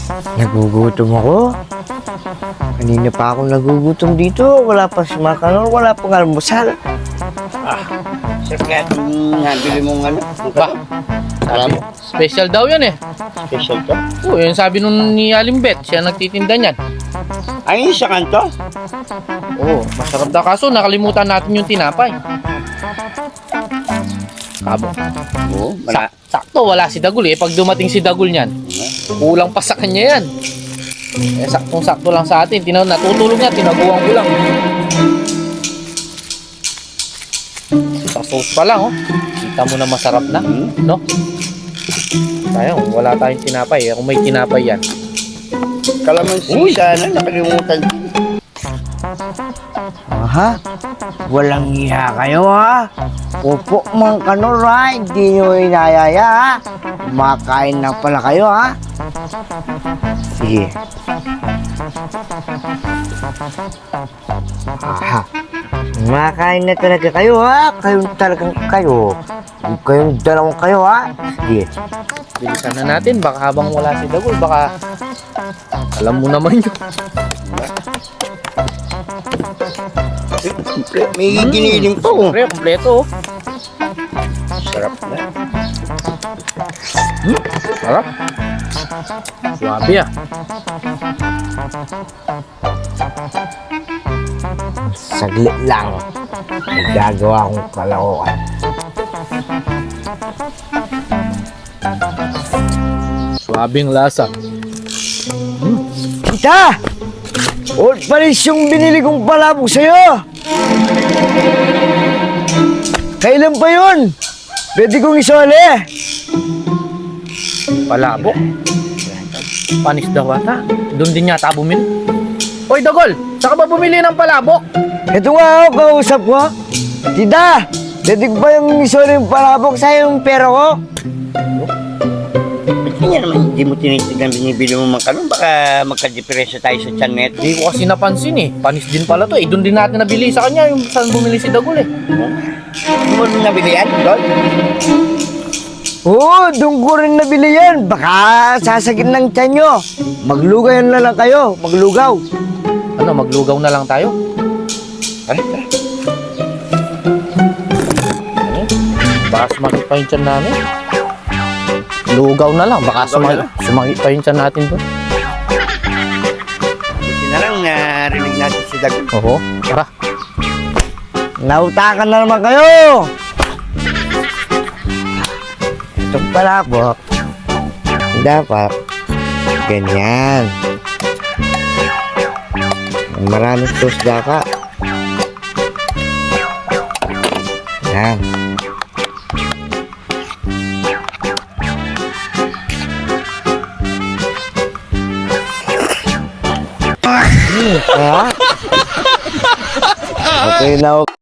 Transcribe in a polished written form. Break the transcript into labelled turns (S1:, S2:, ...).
S1: Nagugutom ako. Kanina pa akong nagugutom dito. Wala pa si Makanor, wala pang almusal.
S2: Sarap kaya itong nabili mong ano?
S3: Ba?
S2: Alam mo?
S3: Special daw yan eh.
S2: Special to?
S3: Oo, yun sabi nun ni Alimbet. Siya nagtitinda niyan.
S2: Ay, sa kanto?
S3: Oo, masarap daw. Kaso nakalimutan natin yung tinapay. Kabo.
S2: Oo,
S3: Sakto, wala si Dagul eh. Pag dumating si Dagul niyan, kulang pa sa kanya yan. Eh, saktong-sakto lang sa atin. Natutulog niya, tinaguan ko lang. Sa sauce pa lang, oh. Kita mo na masarap na, no? Tayo, wala tayong tinapay. Kung may tinapay yan.
S2: Kalamansi sana, nakalimutan.
S1: Aha, walang iya kayo ha. Opo, Makanor ha. Hindi nyo inayaya ha. Makain na pala kayo ha. Sige. Aha. Makain na talaga kayo ha. Kayong talagang kayo. Huwag kayong dalawang kayo ha. Sige.
S3: Bilisan na natin. Baka habang wala si Dagul, baka alam mo naman yun.
S2: May giniling pa oh.
S3: Siyempre, kompleto oh.
S2: Sarap na.
S3: Sarap. Suwabe ah.
S1: Saglit lang. May gagawa akong kalakuan.
S3: Suwabing lasa.
S1: Kita! Old Paris yung binili kong palabok sa'yo! Kailan pa yun? Pwede kong isole!
S3: Palabok. Panis daw ata. Doon din yata bumili. Hoy Dagol, saka ba bumili ng palabok?
S1: Ito nga ako, kausap ko. Tita! Pwede ko ba yung isole yung palabok sa'yo yung pera ko?
S2: Hindi naman, hindi mo tinitignan binibili mo Makanor. Baka magka-diferensya tayo sa tiyan neto.
S3: Hindi ko kasi napansin eh. Panis din pala to eh. Doon din natin nabili sa kanya yung saan bumili si Dagol eh.
S2: Ano mo nabili yan, Dol?
S1: Oo, doon ko rin nabili yan. Baka sasagin ng tiyan nyo. Maglugaw na lang kayo. Maglugaw.
S3: Ano, maglugaw na lang tayo?
S2: Tara, tara.
S3: Baka sumagit pa yung tiyan namin. Lugaw na lang. Baka sumagit pa yung tiyan natin doon.
S2: Buti na lang narinig natin si Dagul.
S3: Oo, tara.
S1: Nautakan na naman kayo. Itong palabok, dapat ganyan. Maraming sauce dapat. Yan. Okay na.